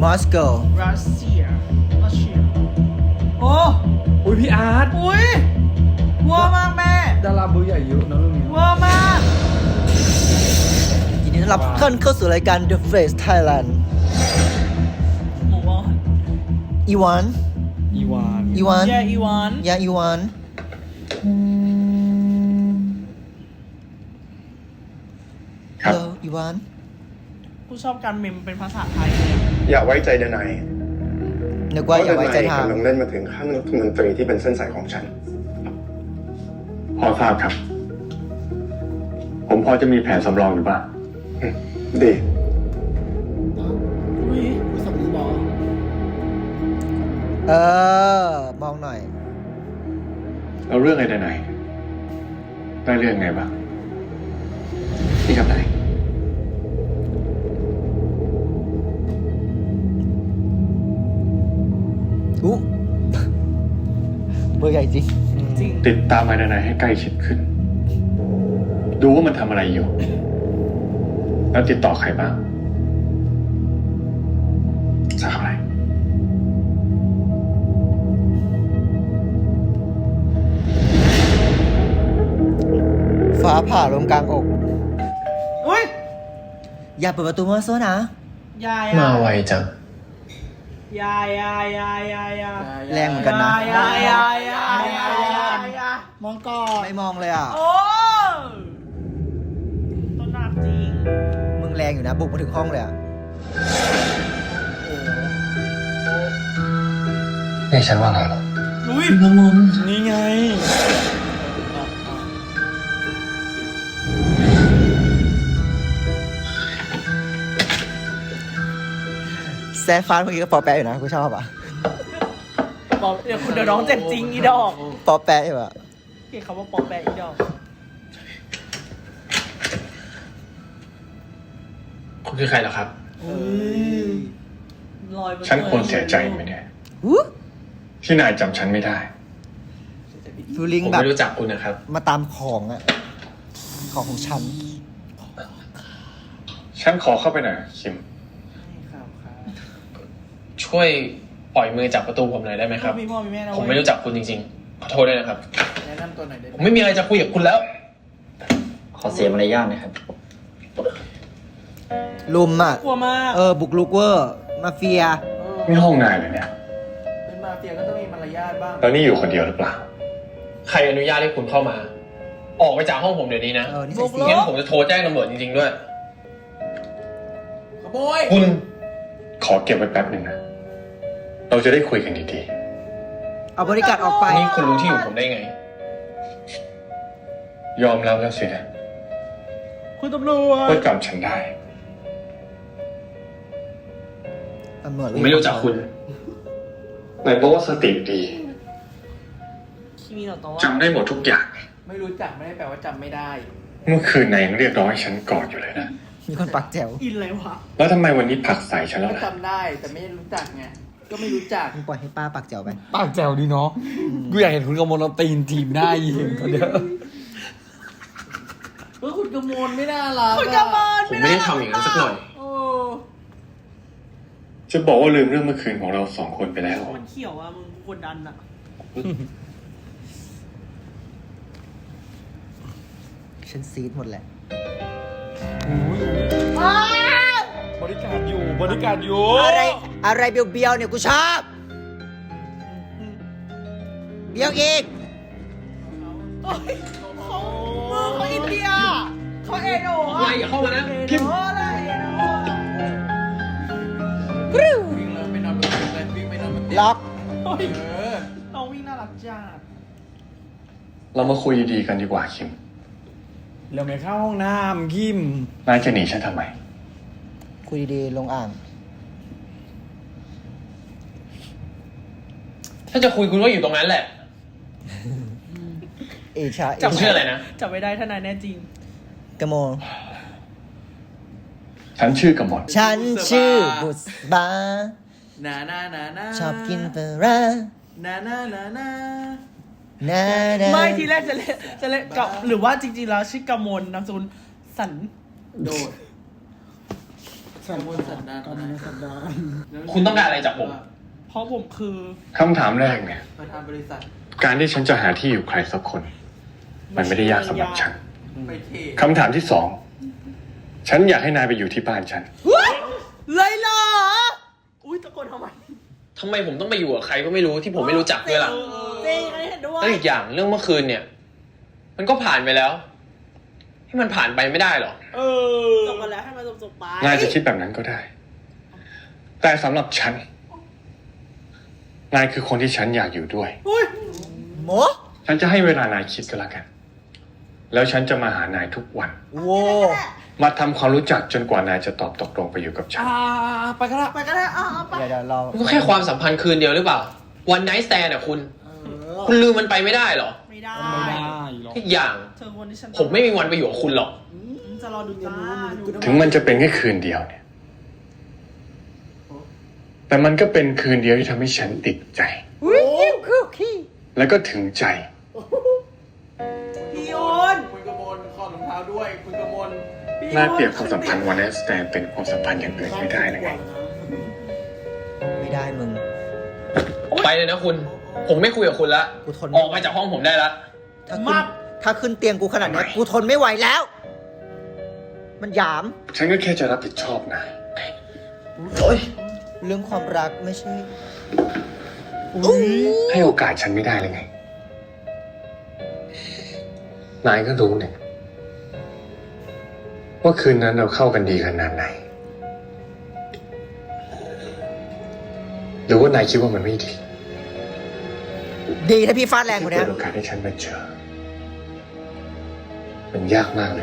Moscow รัสเซียโอ้อุ้ยพี่อาร์ตอุ้ยวัวมากแม่ดาราเบอร์ใหญ่เยอะนะเรื่องนี้วัวมากยินดีต้อนรับทุกท่านเข้าสู่รายการ The Face Thailand หมูวอนอีวานอีวานอีวานแย่อีวานยาอีวานครับ Hello อีวานกูชอบการเมมเป็นภาษาไทยเลยอย่าไว้ใจเดนายนึกว่าอย่าไว้ใจทางกำลังเล่นมาถึงขั้นรัฐมนตรีที่เป็นเส้นสายของฉันพอทราบครับ ผมพอจะมีแผนสำรองอยู่บ้างดีอุ้ยมองหน่อยแล้วเรื่องไอ้ไหนได้เรื่องไงบ้างนี่ครับนายอุ๊ เบอร์ใหญ่จริงจริงติดตามไอ้ไหนให้ใกล้ชิดขึ้น ดูว่ามันทำอะไรอยู่ แล้วติดต่อใครบ้างสักอะไรฟ้าผ่าลงกลางอกอุ้ยอย่าเปิดประตูมาโซนะยายมาไวจังยายยายยายยายยายแรงเหมือนกันนะยายยายยายยายยายมองก่อนไม่มองเลยอ่ะโอ้ต้นหนักจริงมึงแรงอยู่นะ บุกมาถึงห้องเลยอ่ะเรียกฉันว่าไงหรออุ้ยนี่ไงแซฟฟานเมื่อกี้ก็ปอแปะอยู่นะกูชอบอ่ะบอกเดี๋ยวคุณเดี๋ยวน้องเจ็บจริงอีดอกปอแปะอยู่อ่ะเกี่ยคำว่าปอแปะอีดอกคุณคือใครเหรอครับลอยบฉันควรเสียใจไหมเนี่ยวู้ที่นายจำฉันไม่ได้ฟิลลิ่งผมแบบไม่รู้จักคุณนะครับมาตามของอ่ะ ของฉันฉันขอเข้าไปหน่อยคิมครับครับช่วยปล่อยมือจากประตูผมหน่อยได้ไหมครับมีพ่อมีแม่นะผมไม่รู้จักคุณจริงๆ ขอโทษด้วยนะครับแนะนำตัวหน่อยได้ไหผม มไม่มีอะไรจะคุยกับคุณแล้วขอเสียมารยาทนะครับลุมอ่ะกลัวมากบุกลุกเวอร์ มาเฟียนี่ห้องนายเลยเนี่ยเป็นมาเฟียก็ต้องมีมารยาทบ้างแล้วนี่อยู่คนเดียวหรือเปล่าใครอนุญาตให้คุณเข้ามา ออกไปจากห้องผมเดี๋ยวนี้นะนี่ใส่สีงั้นผมจะโทรแจ้งตำรวจจริงๆด้วยขโมยคุณขอเก็บไว้แป๊บหนึ่งนะ เราจะได้คุยกันดีเอาบริการออกไปนี่คุณรู้ที่อยู่ผมได้ไงๆ ยอมรับแล้วสินะคุณตำรวจว่าจำฉันได้ตำรวจผมไม่รู้จักคุณนายบอกว่าสติดีคิมิโนโตะจำได้หมดทุกอย่างไม่รู้จักไม่ได้แปลว่าจำไม่ได้เมื่อคืนนายยังเรียกร้องให้ฉันกอดอยู่เลยนะมีคนปักแจ๋วอินเลยวะแล้วทำไมวันนี้ผลักใส่ฉันแล้วก็ล่ะจำได้แต่ไม่รู้จักไง ก็ไม่รู้จักมึงปล่อยให้ป้าปักแจ๋วไปปากแจ๋วดีเนาะ กูอยากเห็นคุณกำมลเอาตีนทีมหน้ายิงเขาเด้อคุณกมลไม่น่ารักคุณกมล ผมไม่ได้ทำอย่างนั้นสักหน่อยโอ้จะบอกว่าลืมเรื่องเมื่อคืนของเราสองคนไปแล้วมันเขียวอ่ะมึงกดดันอ่ะฉันซีดหมดแหละบริการอยู่ บริการอยู่อะไรเบียวๆเนี่ยกูชอบ เบียวอีกโอ้ยเขามือเขาอินเดียเขาเอโดะอะไรอย่าเข้ามานะพิมพ์อะไรเอโดะวิ่งเลยไปนอนบนเตียงเลยวิ่งไปนอนบนเตียงล็อกน้องวิ่งน่ารักจัดเรามาคุยดีๆกันดีกว่าคิมเราไม่เข้าห้องน้ำคิมนายจะหนีฉันทำไมคุยดีๆลงอ่างถ้าจะคุยคุณก็อยู่ตรงนั้นแหละเอชาจำชื่ออะไรนะจับไม่ได้ถ้านายแน่จริงกระโมงฉันชื่อกำมลฉันชื่อบุษบานานานานาชอบกินปลาร้านานานานานานาไม่ทีแรกจะเล่นกับหรือว่าจริงๆแล้วชื่อกมลนามสกุลสันโดดกระบวนสันดานคุณต้องการอะไรจากผมเพราะผมคือคำถามแรกเนี่ยประธานบริษัทการที่ฉันจะหาที่อยู่ใครสักคน มันไม่ได้ยากสำหรับฉันไปเทคำถามที่สอง ฉันอยากให้นายไปอยู่ที่บ้านฉันเลยเหรอ อุ้ยตะโกนทำไมทำไมผมต้องไปอยู่กับใครก็ไม่รู้ที่ผมไม่รู้จักด้วยล่ะจริงอันนี้เห็นด้วยแล้วอีกอย่างเรื่องเมื่อคืนเนี่ย มันก็ผ่านไปแล้ว ให้มันผ่านไปไม่ได้หรอจบกันแล้วให้มันจบไปนายจะคิดแบบนั้นก็ได้ แต่สำหรับฉัน นายคือคนที่ฉันอยากอยู่ด้วยอุ้ยโมฉันจะให้เวลานายคิดก็แล้วกัน แล้วฉันจะมาหานายทุกวันโว้มาทำความรู้จักจนกว่านายจะตอบตกลงไปอยู่กับฉันไปก็ได้ไปก็ได้เอาไปเดี๋ยวเรามันก็แค่ความสัมพันธ์คืนเดียวหรือเปล่า วันไนท์สแตนด์อะคุณ คุณลืมมันไปไม่ได้หรอไม่ได้อีกอย่างเธอคนที่ฉันผมไม่มีวันไปอยู่กับคุณหรอกจะรอดูจ้าดูถึงมันจะเป็นแค่คืนเดียวเนี่ย แต่มันก็เป็นคืนเดียวที่ทำให้ฉันติดใจอุ้ยคุกกี้แล้วก็ถึงใจพี่โยนคุณกมลขอรองเท้าด้วย คุณกมลน่าเปรียบความสัมพันธ์วันแอสแตนเป็นความสัมพันธ์อย่างอื่นไม่ได้นะไงไม่ได้มึงไปเลยนะคุณ ผมไม่คุยกับคุณละกูทนออกมาจากห้องผมได้ละถ้าขึ้นเตียงกูขนาดนี้กูทนไม่ไหวแล้ว มันหยามฉันก็แค่จะรับผิดชอบนายโอ้ยเรื่องความรักไม่ใช่ให้โอกาสฉันไม่ได้เลยไง นายก็รู้เนี่ยว่าคืนนั้นเราเข้ากันดีขนาดไหน หรือว่านายคิดว่ามันไม่ดีดีถ้าพี่ฟาดแรงกว่านี้เปิดโอกาสให้ฉันมาเจอ มันยากมากเลย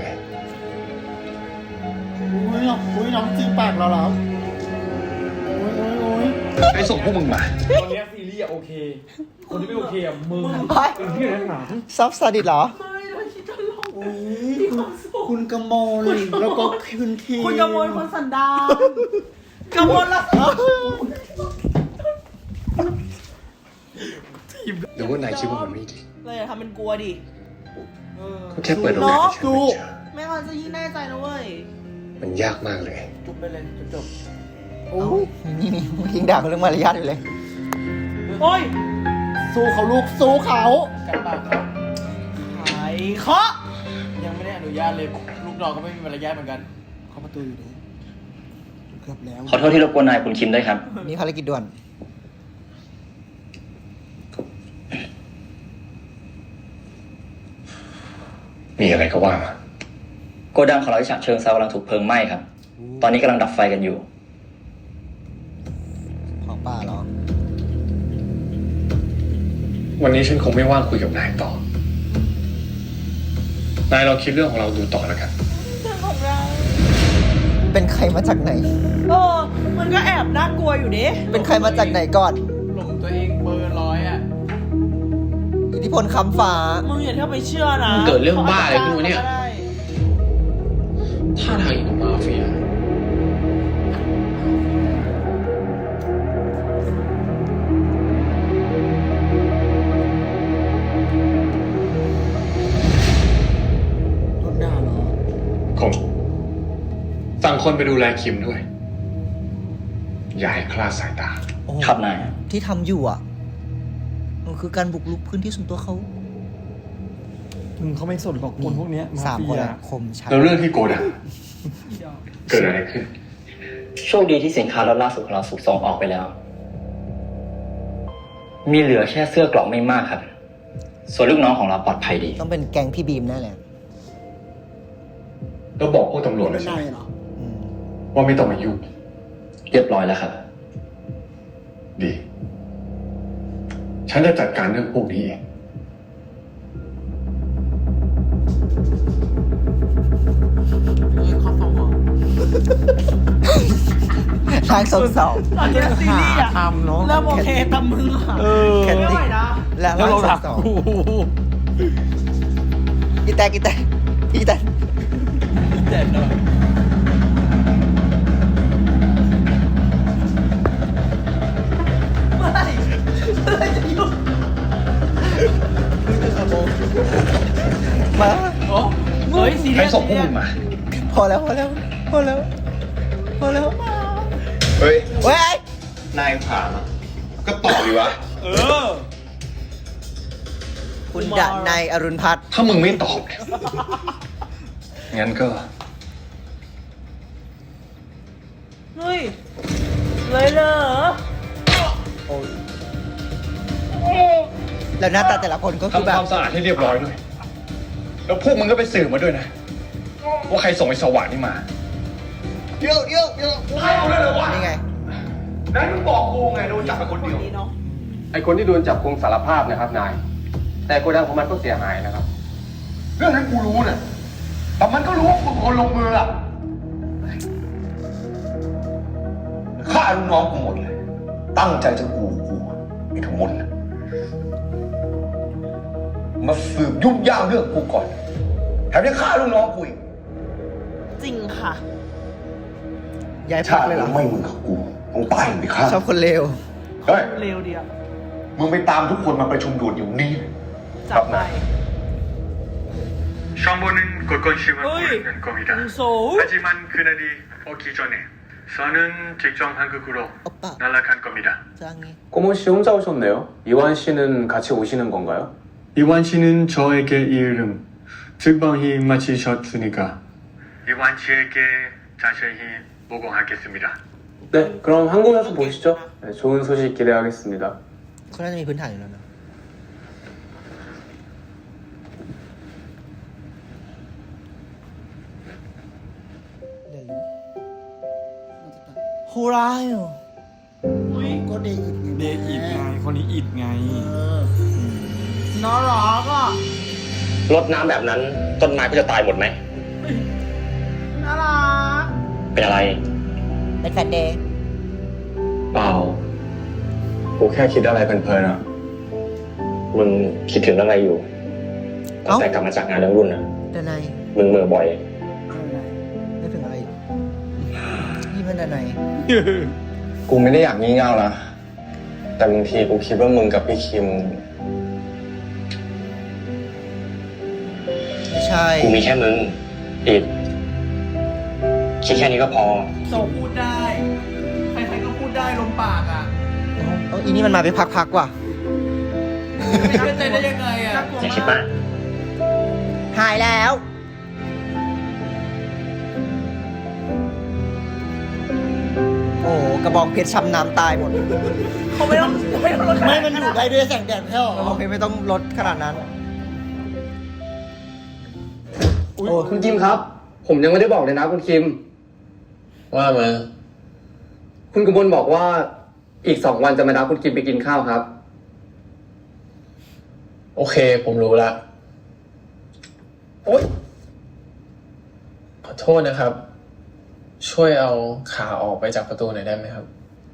อุ้ยน้องจีปากเราแล้วอุ้ยไปส่งพวกมึงมาตอนนี้ซีรีส์อะโอเค คนที่ไม่โอเคอะมึงเฮ้ยเป็นที่อยู่ในหนังซอฟต์ซาดิสเหรอไม่เราคิดตลกอุ้ยคุณกมลแล้วก็คุณทีคุณกมลคนสันดานกมลละหรือว่านายคิดว่ามันไม่ดีเลยทำเป็นกลัวดิก็แค่เปิดโอกาสให้ฉันมาเจอไม่งั้นจะยิ่งแน่ใจนะเว้ยมันยากมากเลยจุบไปเลยจบโอ้นี่มึงทิ้งด่าเขาเรื่องมารยาทอยู่เลยโอ้ยสู้เขาลูกสู้เขากันปากเขาขายเคาะยังไม่ได้อนุญาตเลย ลูกดอกก็ไม่มีมารยาทเหมือนกันเข้าประตูอยู่ดีเกือบแล้วขอโทษที่รบกวนนายคุณคิมด้วยครับมีภารกิจด่วนมีอะไรก็ว่ามาโกดังของเราที่ฉะเชิงเซากำลังถูกเพลิงไหม้ครับ ตอนนี้กำลังดับไฟกันอยู่ของป้าเหรอวันนี้ฉันคงไม่ว่างคุยกับนายต่อ นายเราคิดเรื่องของเราดูต่อแล้วกันเรื่องของเราเป็นใครมาจากไหนมันก็แอบน่ากลัวอยู่ดิเป็นใครมาจากไหนก่อนหลงตัวเองเบอร์ร้อยอ่ะอิทธิพลคำฟ้ามึงอย่าเที่ยวไปเชื่อนะเกิดเรื่องบ้าอะไรขึ้นวะเนี่ย ท่าทางอย่างกับมาเฟียโดนด่าเหรอผมสั่งคนไปดูแลคิมด้วย อย่าให้คลาดสายตาโอ้ครับนายที่ทำอยู่อ่ะ มันคือการบุกรุกพื้นที่ส่วนตัวเขามึงเขาไม่สนหรอกคนพวกเนี้ยสามเฟีคนยอะคมชัดแล้วเรื่องที่โกดัง เกิดอะไรขึ้นโชคดีที่สินค้าล็อตล่าสุดของเราถูกส่งออกไปแล้ว มีเหลือแค่เสื้อกรอกไม่มากครับ ส่วนลูกน้องของเราปลอดภัยดีต้องเป็นแก๊งพี่บีมแน่เลยแล้วบอกพวกตำรวจเลเป็ยนใช่นาไหมยเหรออืมว่าไม่ต้องมายุ่งเรียบร้อยแล้วครับดี ฉันจะจัดการเรื่องพวกนี้เองข้อสองทางสองสองตอนนี้ซีรีส์อะทำเนาะเริ่มโอเคแต่มึงอะแคทไม่ติไหวกนะและแล้วเราทาถังกสองกูอีแตกอีแตกอีแตกเจ็บเลยเมื่อไหร่จะหยุดมาเฮ้ยซีรีใครส์ส่งพวกมึงมาพอแล้วพอแล้วพอแล้วพอแล้วไม่เฮ้ยเฮ้ยนายถามอะก็ตอบดีวะเออคุณดะนายอรุณพัฒน์ถ้ามึงไม่ตอบเนี่ยงั้นก็เฮ้ย เลยเหรอแล้วหน้าตาแต่ละคนก็คือทำแบคบวามสะอาดให้เรียบร้อยด้วย แล้วพวกมึงก็ไปสืบมาด้วยนะ ว่าใครส่งไอ้สว่านนี่มาเดี๋ยวให้เอาเลยเหรอวะนี่ไงนั่นมึงบอกกูไงโดนจับไปคนเดียวไอคนที่โดนจับคงสารภาพนะครับนาย แต่โกดังของมันก็เสียหายนะครับเรื่องนั้นกูรู้นะแต่มันก็รู้ว่ากูเป็นคนลงมืออะฆ่าลูกน้องกูหมดเลย ตั้งใจจะกูไอ้ทุกมนต์มาสืบยุ่งยากเรื่องกูก่อน แถมยังฆ่าลูกน้องกูอีกจริงค่ะย้ายพัชาก ติเลยเหรอไม่มึงกับกูต้องตายไปฆ่าชอบคนเลวเฮ้ยเร็วเดียวมึงไปตามทุกคนมาประชุมด่วนอยู่นี่จับไป 정보는 곳곳이만 어이. 모르는 겁니다. 무서 하지만 그날이 오기 전에 저는 직접 한국으로 오빠. 날아간 겁니다. 짱이. 꼬모 씨 혼자 오셨네요. 이완 씨는 같이 오시는 건가요? 이완 씨는 저에게 이 이름 특방이 마치셨으니까 이완 씨에게 자세히 보고하겠습니다. 네, 그럼 한국에서 보시죠. 네, 좋은 소식 기대하겠습니다. เขาน่าจะมีพื้นฐานอยู่แล้วนะโฮรายเหรออุ้ยก็เดอิดเดอิดไง คนนี้อิดไงน่ารักอ่ะรดน้ำแบบนั้นต้นไม้ก็จะตายหมดไหมน่ารักเป็นอะไรเป็นแฟนเดย์เปล่ากูแค่คิดอะไรเพลินๆอะมึงคิดถึงอะไรอยู่ตั้งแต่กลับมาจากงานเลี้ยงรุ่นนะดานายมึงเหมื่อบ่อยนึกถึงอะไรอยู่นี่มันดานายกูไม่ได้อยากงี่เง่านะ แต่บางทีกูคิดว่ามึงกับพี่คิมไม่ใช่กูมีแค่มึงอิดคิดแค่นี้ก็พอโซพูดได้ ใครๆก็พูดได้ลมปากอ่ะเอาอีนี่มันมาไปพักๆว่ะไม่เชื่อใจได้ยังไงอ่ะอย่าคิดมากหายแล้ว โอ้โหกระบองเพชรช้ำน้ำตายหมดเขาไม่ต้องลดไม่มันอยู่ได้ด้วยแสงแดดแค่หรกระบอองเพชรไม่ต้องลดขนาดนั้นโอ้คุณคิมครับ ผมยังไม่ได้บอกเลยนะคุณคิมว่ามาคุณกมลบอกว่าอีก2 วันจะมานัดคุณคิมไปกินข้าวครับโอเค ผมรู้ละโอ๊ยขอโทษนะครับ ช่วยเอาขาออกไปจากประตูหน่อยได้ไหมครับ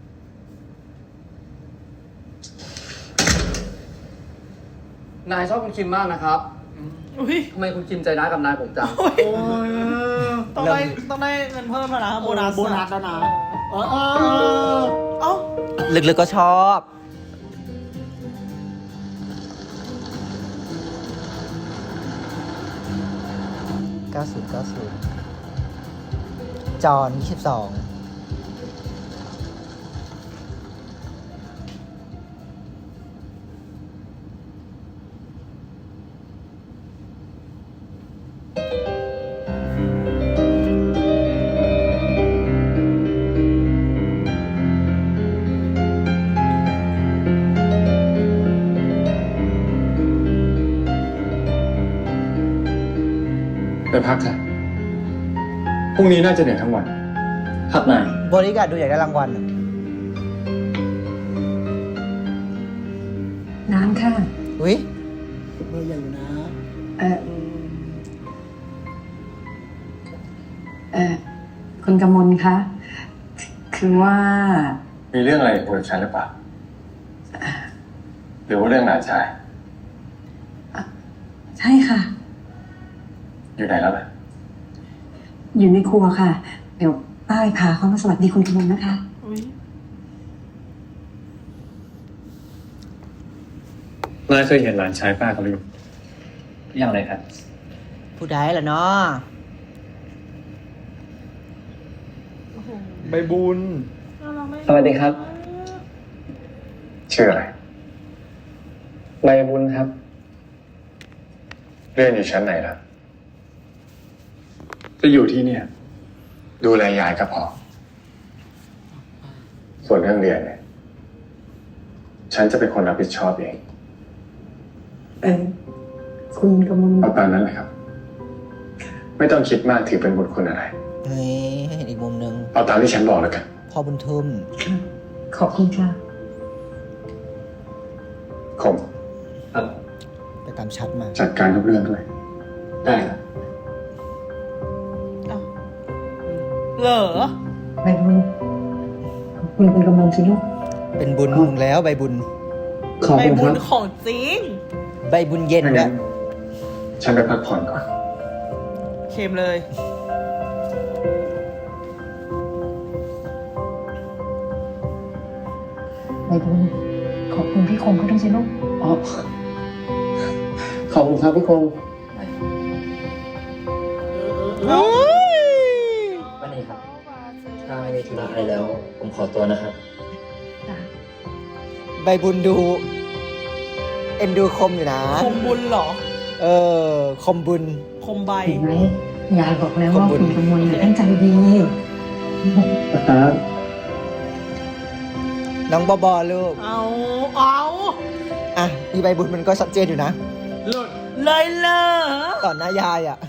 นายชอบคุณคิมมากนะครับอุ้ยทำไมคุณคิมใจร้ายกับนายผมจังโอ้ยต้องได้เงินเพิ่มแล้วนะโบนัสโบนัสแล้วนะเออเอ้าลึกๆก็ชอบ90 จอห์น22 ไปพักเถอะพรุ่งนี้น่าจะเหนื่อยทั้งวันครับนายบริการดดูอยากได้รางวัลอะน้ำค่ะอุ้ยเบอร์ใหญ่อยู่นะคุณกมลคะ คือว่ามีเรื่องอะไรคุยกับฉันหรือเปล่าหรือว่าเรื่องหลานชายใช่ค่ะอยู่ไหนแล้วล่ะอยู่ในครัวค่ะ เดี๋ยวป้าไปพาเขามาสวัสดีคุณกมลนะคะอุ้ยนายเคยเห็นหลานชายป้าเขาหรือยังยังเลยครับผู้ใดล่ะเนาะใบบุญน่ารัสวัสดีครับชื่ออะไรใบบุญครับเรียนอยู่ชั้นไหนล่ะ จะอยู่ที่เนี่ย ดูแลยายก็พอ ส่วนเรื่องเรียนเนี่ย ฉันจะเป็นคนรับผิดชอบเองคุณกำมลเอาตามนั้นเลยครับ ไม่ต้องคิดมากถือเป็นบุญคุณอะไรเฮ้ยให้เห็นอีกมุมหนึ่งเอาตามที่ฉันบอกแล้วกันพ่อบุญทุ่มขอบคุณค่ะคมไปตามชัดมาจัดการทุกเรื่องด้วยได้ครับเหรอใบบุญขอบคุณคุณกำมลสิลูกเป็นบุญมึงแล้วใบบุญขอบใบคุณคบุรัญบของจริงใบบุญเย็นด้วยฉันไปพักผ่อนก่อนเค็มเลยใบบุญขอบคุณพี่คงก็ต้องสิลูกอ๋อขอบคุณครับพี่คงวันนี้ครับ ถ้าไม่มีธุระอะไรแล้ว ผมขอตัวนะครับใบบุญดู เอ็นดูคมอยู่นะคมบุญเหรอเออ คมบุญคมใบเห็นไหมยายบอกแล้วว่าขอบคุคุณ ณกำมลน่ะตั้งใจดีครับน้องบอลูกเอาอ่ะมีใบบุญมันก็ชัดเจนอยู่นะเลยเหรอต่อหน้ายายอ่ะ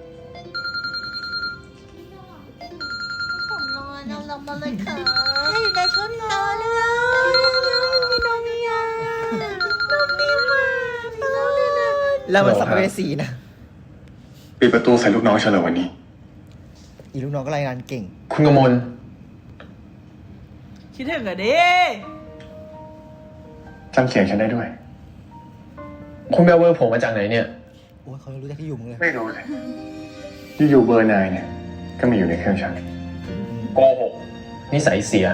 ผมรอน้องลงมาเลยค่ะอยู่ในชุดนอนเลยน้องมียาน้องมีมาน้องมีนะแล้วมันสัมภเวสีนะปิดประตูใส่ลูกน้องฉันเลยวันนี้อีลูกน้องก็รายงานเก่งคุณกมลคิดถึงอะดิจำเสียงฉันได้ด้วยคุณไปเอาเบอร์ผมมาจากไหนเนี่ยโอ้ยเขารู้จักที่อยู่มึงเลยไม่รู้เลยอยู่ๆเบอร์นายเนี่ย ก็มีอยู่ในเครื่องฉันโกหกนิสัยเสีย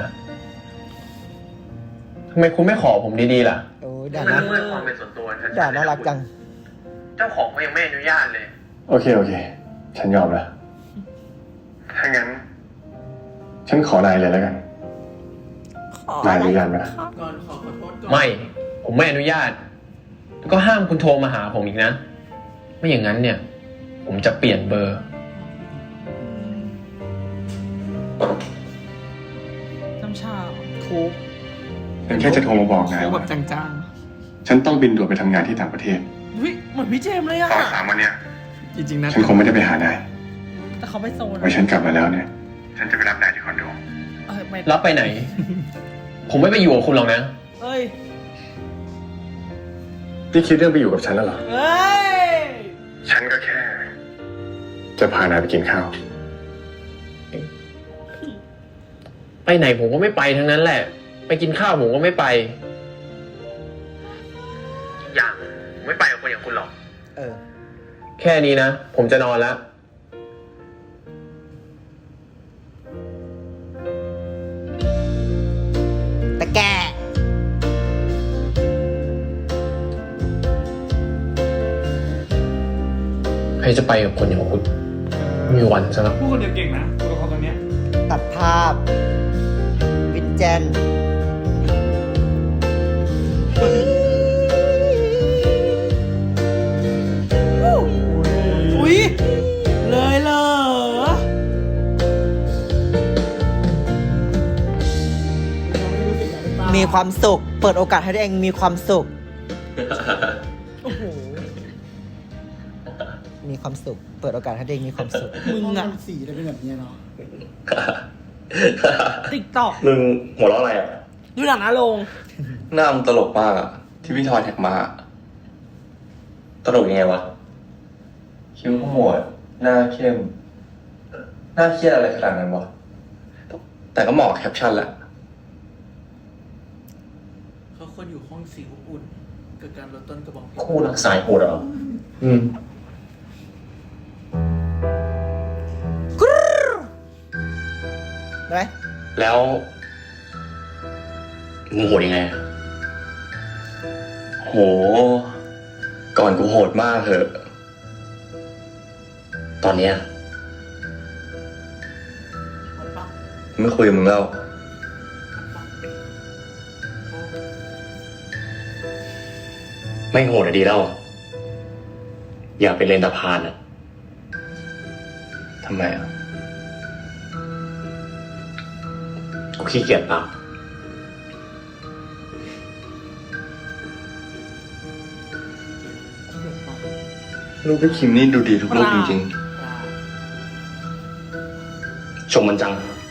ทำไมคุณไม่ขอผมดีๆล่ะโอ้ยด่านะความเป็นส่วนตัวด่าน่ารักจังเจ้าของก็ยังไม่อนุญาตเลยโอเค ฉันยอมแล้วถ้างั้น ฉันขอนายเลยแล้วกัน นายอนุญาตไหมล่ะก่อนขอโทษก่อนไม่ ผมไม่อนุญาต แล้วก็ห้ามคุณโทรมาหาผมอีกนะ ไม่อย่างนั้นเนี่ย ผมจะเปลี่ยนเบอร์น้ำชาคุกฉันแค่จะโทรมาบอกนายแบว่าบจางฉันต้องบินด่วนไปทำงานที่ต่างประเทศๆวิเหมือนพี่เจมส์เลยอะตอน3 วันเนี้ยจริงๆนะฉันคงไม่ได้ไปหานายแต่เขาไปโซนไว้ฉันกลับมาแล้วเนี่ย ฉันจะไปรับนายที่คอนโดไม่รับไปไหน ผมไม่ไปอยู่กับคุณหรอกนะเอ้ยพี่คิดเรื่องไปอยู่กับฉันแล้วเหรอเอ้ยฉันก็แค่ จะพานายไปกินข้าวไปไหนผมก็ไม่ไปทั้งนั้นแหละ ไปกินข้าวผมก็ไม่ไป อย่างผมไม่ไปกับคนอย่างคุณหรอกเออแค่นี้นะ ผมจะนอนแล้วแต่แกใครจะไปกับคนอย่างคุณไม่มีวันซะแล้วพูดคนเดียวเก่งนะตัวละครตัวเนี้ยตัดภาพ วินเจนอุ้ยเลยเหรอมีความสุข เปิดโอกาสให้ตัวเองมีความสุขโอ้โหมีความสุข เปิดโอกาสให้ตัวเองมีความสุขมึงอะสีได้เป็นแบบนี้เนาะติ๊กตอกมึงหัวเราะอะไรอ่ะดูหนังนะลงหน้ามึงตลกมากอ่ะ ที่พี่ทอยแท็กมา ตลกยังไงวะ คิ้วขมวด หน้าเข้ม หน้าเครียดอะไรขนาดนั้นวะ แต่ก็เหมาะกับแคปชั่นแหละเขาควรอยู่ห้องสีอบอุ่นกับการลดต้นกระบอกเพชรคู่รักสายโหดเหรอได้ไหมแล้วมึงโหดยังไง โห ก่อนกูโหดมากเถอะ ตอนเนี้ยไม่คุยกับมึงแล้วไม่โหดอะดีแล้ว อย่าไปเล่นตะพานอะทำไมอ่ะกูขี้เกียจเปล่าลูกพี่คิมนี่ดูดีทุกลูกจริงชมมันจัง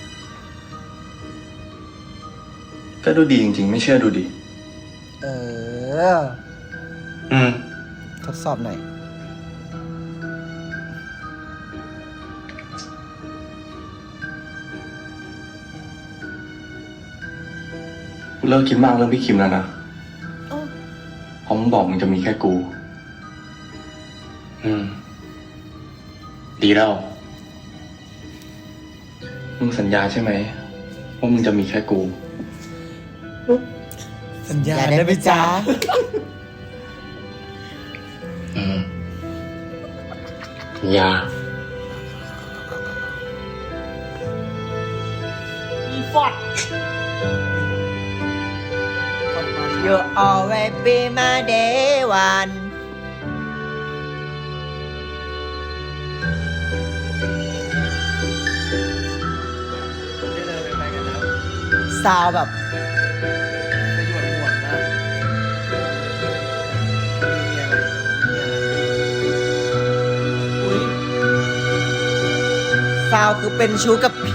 ๆ ก็ดูดีจริงๆ ไม่เชื่อดูดีเอออืมทดสอบหน่อยกูเลิกคิดมากเรื่องพี่คิมแล้วนะเพราะมึงบอกมึงจะมีแค่กูดีแล้วมึงสัญญาใช่ไหมว่ามึงจะมีแค่กูสัญญาได้ไหมจ๊ะอย่า You always be my day one ซาวแบบ ซาวคือเป็นชู้กับผี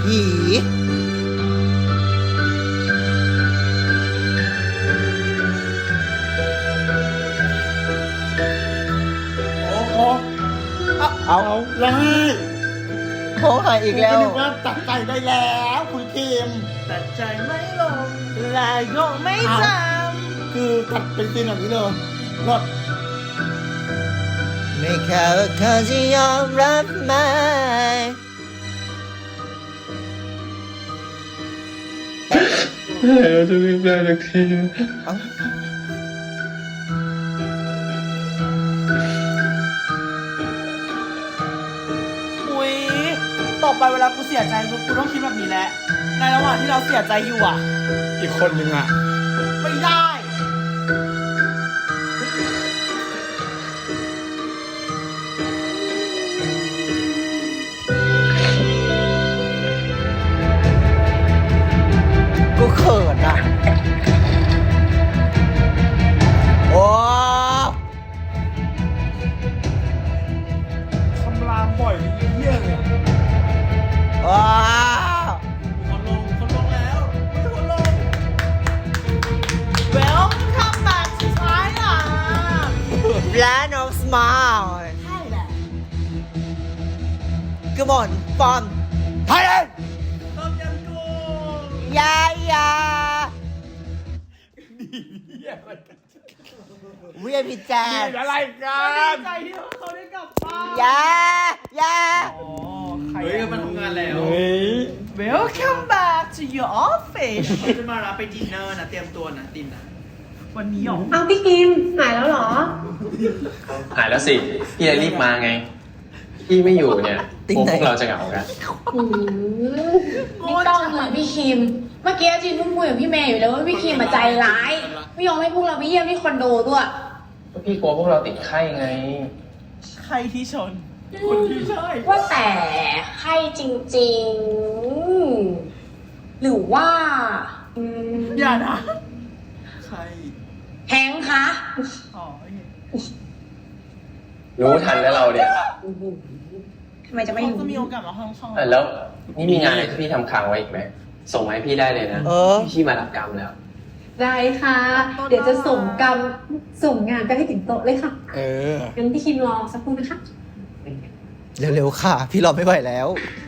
เอาไล่โค้หายอีกแล้วนึกว่าตัดใจได้แล้วคุณคิมตัดใจไม่ลงและก็ไม่จคือตัดเป็นซีนแบบนี้เลยรอดไม่แค่ว่าเขาจะยอมรับไหมเราจะรีบได้สักทีเอ้าอุ๊ยต่อไปเวลากูเสียใจกูต้องคิดแบบนี้แหละ ในระหว่างที่เราเสียใจอยู่อ่ะอีกคนนึงอ่ะไม่ได้กูเขินอ่ะ โอ้คำรามบ่อยเยี่ยเลยว้าวคนลงแล้วไม่คนลง Welcome back to Thailand Land of Smile ใช่แหละ Come on from Thailand ต้มยำกุ้งยา เวียพิจารอะไรกัดีนใจที่เขาได้กลับบ้านยาอ๋อใครเฮ้ยมันทำงานแล้วเฮ้ย Welcome back to your office เขาจะมารับไปดินเนอร์นะ เตรียมตัวนะดินนะ วันนี้หรอเอาพี่คิมหายแล้วเหรอหายแล้วสิ พี่เลยรีบมาไง พี่ไม่อยู่เนี่ยพวกเราจะเหงากันไม่ต้องเลยพี่คิม เมื่อกี้จินเพิ่งคุยกับพี่เมย์อยู่แล้วว่าพี่คิมมาใจร้าย ไม่ยอมให้พวกเราไปเยี่ยมที่คอนโดด้วยพี่กลัวพวกเราติดไข้ไงใครที่ชน คนที่ใช่ว่าแต่ใครจริงๆ หรือว่าอย่านะ ใครแฮงค์คะอ๋อโอเครู้ทันแล้วเราเนี่ยทำไมจะไม่เขารู้จะมีโอกาสมาห้องช่องแล้วนี่มีงานอะไรที่พี่ทำค้างไว้อีกไหม ส่งมาให้พี่ได้เลยนะเออพี่มารับกรรมแล้วได้ค่ะ เดี๋ยวจะส่งงานไปให้ถึงโต๊ะเลยค่ะเอองั้นพี่คิมรอสักครู่นะคะเร็วๆค่ะ พี่รอไม่ไหวแล้ว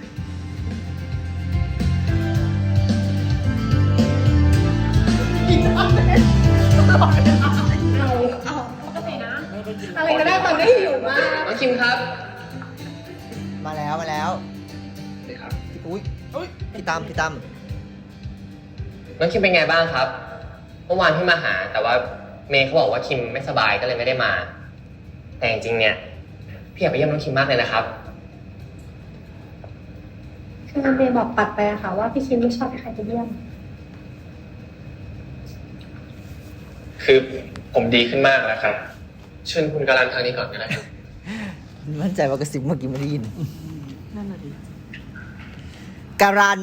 อะไรก็ได้ตอนได้อยู่มากน้องคิมครับมาแล้วมาแล้วอุ้ยพี่ตั้มน้องคิมเป็นไงบ้างครับ เมื่อวานพี่มาหา แต่ว่าเมย์เขาบอกว่าคิมไม่สบายก็เลยไม่ได้มา แต่จริงๆเนี่ยพี่อยากไปเยี่ยมน้องคิมมากเลยนะครับคือเมย์บอกปัดไปอะค่ะว่าพี่คิมไม่ชอบให้ใครไปเยี่ยมคือผมดีขึ้นมากแล้วครับเชิญคุณการันทางนี้ก่อนก็ได้ครับมั่นใจว่ากระซิบเมื่อกี้ไม่ได้ยินนั่นน่ะดิการัน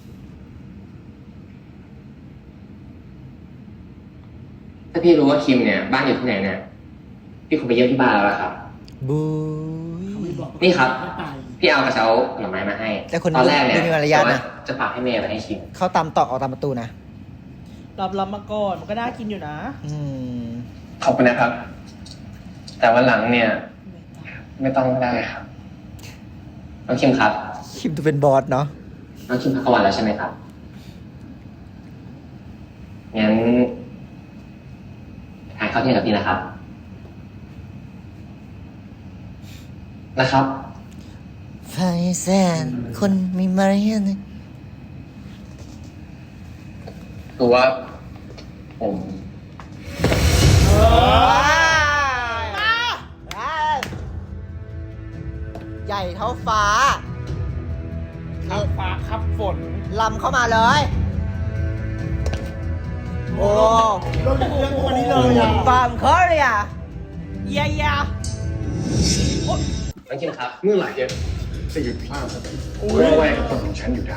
ถ้าพี่รู้ว่าคิมเนี่ยบ้านอยู่ที่ไหนเนี่ยพี่คงไปเยี่ยมที่บ้านแล้วล่ะครับบูยนี่ครับไม่ไปพี่เอากระเช้าผลไม้มาให้แต่คนตอนแรกเนี่ยดูมีมารยาทนะจะฝากให้เมย์ไปให้คิมเข้าตามตอกออกตามประตูนะรับมาก่อนมันก็น่ากินอยู่นะอืมขอบคุณนะครับ แต่วันหลังเนี่ย ไม่ต้องก็ได้ครับน้องคิมครับคิมดูเป็นบอสเนาะน้องคิมพักกลางวันแล้วใช่ไหมครับงั้นทานข้าวเที่ยงกับพี่นะครับนะครับไฟแสนคนมีมารยาทนะคือว่าผมใหญ่เท่าฟ้าข้าวฟ้าขับฝนลำเข้ามาเลย โอ้เราเรื่องวันนี้เลยอ่ะฟาร์มคอเรียเยียยาน้องคิมครับเมื่อไหร่จะหยุดพลาดสักทีเพื่อแลกกับคนของฉันอยู่ได้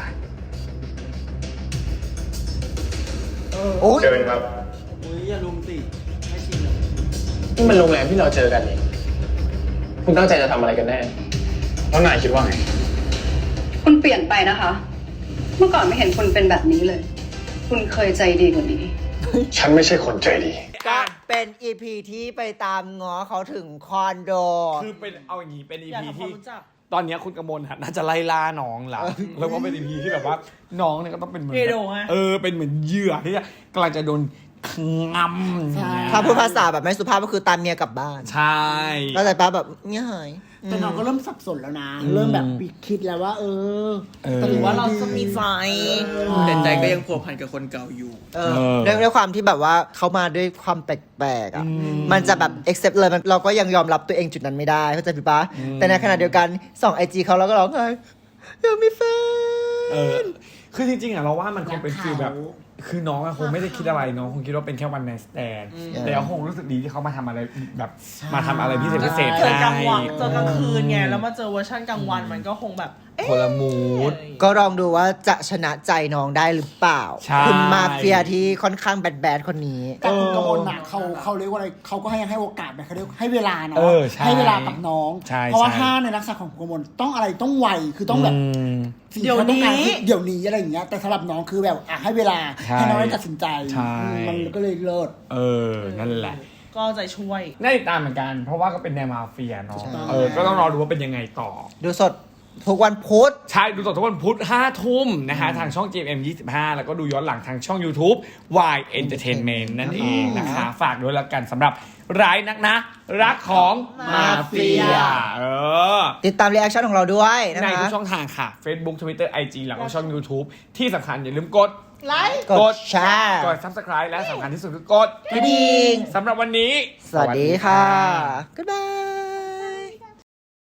โอ้ยเดินครับอุ้ยอย่าลุมสิไม่ชินเลยนี่มันโรงแรมที่เราเจอกันนี่คุณตั้งใจจะทำอะไรกันแน่แล้วนายคิดว่าไงคุณเปลี่ยนไปนะคะ เมื่อก่อนไม่เห็นคุณเป็นแบบนี้เลย คุณเคยใจดีกว่านี้ฉันไม่ใช่คนใจดีก็เป็นอีพีที่ไปตามง้อเขาถึงคอนโดคือเป็นเอาอย่างนี้เป็นอีอยากพีทำความที่รู้จักตอนเนี้ยคุณกมลน่าจะไล่ล่าน้องละแล้วก็เป็นอีพีที่แบบว่าน้องเนี่ยก็ต้องเป็นเหมือนเอโดฮะเป็นเหมือนเหยื่อที่กำลังจะโดนงำถ้าพูดภาษาแบบไม่สุภาพก็คือตามเมียกลับบ้านใช่ก็แต่ป้าแบบเงี้ยหายแต่น้องก็เริ่มสับสนแล้วนะ เริ่มแบบคิดแล้วว่าแต่ถือว่าเราก็มีไฟแต่ใจก็ยังผัวพันกับคนเก่าอยู่ด้วยความที่แบบว่าเขามาด้วยความแปลกๆอ่ะ มันจะแบบ accept เลยเราก็ยังยอมรับตัวเองจุดนั้นไม่ได้เข้าใจพี่ปะแต่ในขณะเดียวกันส่อง IG เขาแล้วก็ร้องไห้อยากมีแฟนคือจริงๆอ่ะเราว่ามันคงเป็นฟีลแบบ คือน้องอะคงไม่ได้คิดอะไรน้องคงคิดว่าเป็นแค่วันไนท์สแตนแล้วคงรู้สึกดีที่เขามาทำอะไรแบบมาทำอะไรพิเศษพิเศษเจอกลางวันให้เจอกลางคืนไงแล้วมาเจอเวอร์ชันกลางวันมันก็คงแบบเอ๊ะคนละมูดก็ลองดูว่าจะชนะใจน้องได้หรือเปล่าใช่คุณมาเฟียที่ค่อนข้างแบดๆคนนี้แต่คุณกมลน่ะเขาเรียกว่าอะไรเขาก็ให้โอกาสแบบเขาเรียกให้เวลาเนาะใช่ให้เวลากับน้องใช่เพราะว่าใช่ถ้าในลักษณะของคุณกมลต้องอะไรต้องไวคือต้องแบบ สิ่งที่เขาต้องการคือเดี๋ยวนี้อะไรอย่างเงี้ยแต่สำหรับน้องคือแบบให้เวลาใช่ให้น้องได้ตัดสินใจใช่มันก็เลยเลิศนั่นแหละก็ใจช่วยน่าติดตามเหมือนกัน เพราะว่าก็เป็นแนวมาเฟียเนาะใช่ก็ต้องรอดูว่าเป็นยังไงต่อดูสดทุกวันพุธใช่ ดูสดทุกวันพุธ5 ทุ่มนะฮะทางช่อง GMM 25 แล้วก็ดูย้อนหลังทางช่อง YouTube Y Entertainment นั่นเองนะคะ ฝากด้วยแล้วกันสำหรับร้ายนักนะ รักของมาเฟียติดตามรีแอคชั่นของเราด้วยนะในคะทุกช่องทางค่ะ Facebook Twitter IG แล้วก็ช่อง YouTube ที่สำคัญอย่าลืมกดไลค์กดแชร์กด Subscribe และสำคัญที่สุดคือกดกระดิ่งสำหรับวันนี้สวัสดีค่ะ Goodbye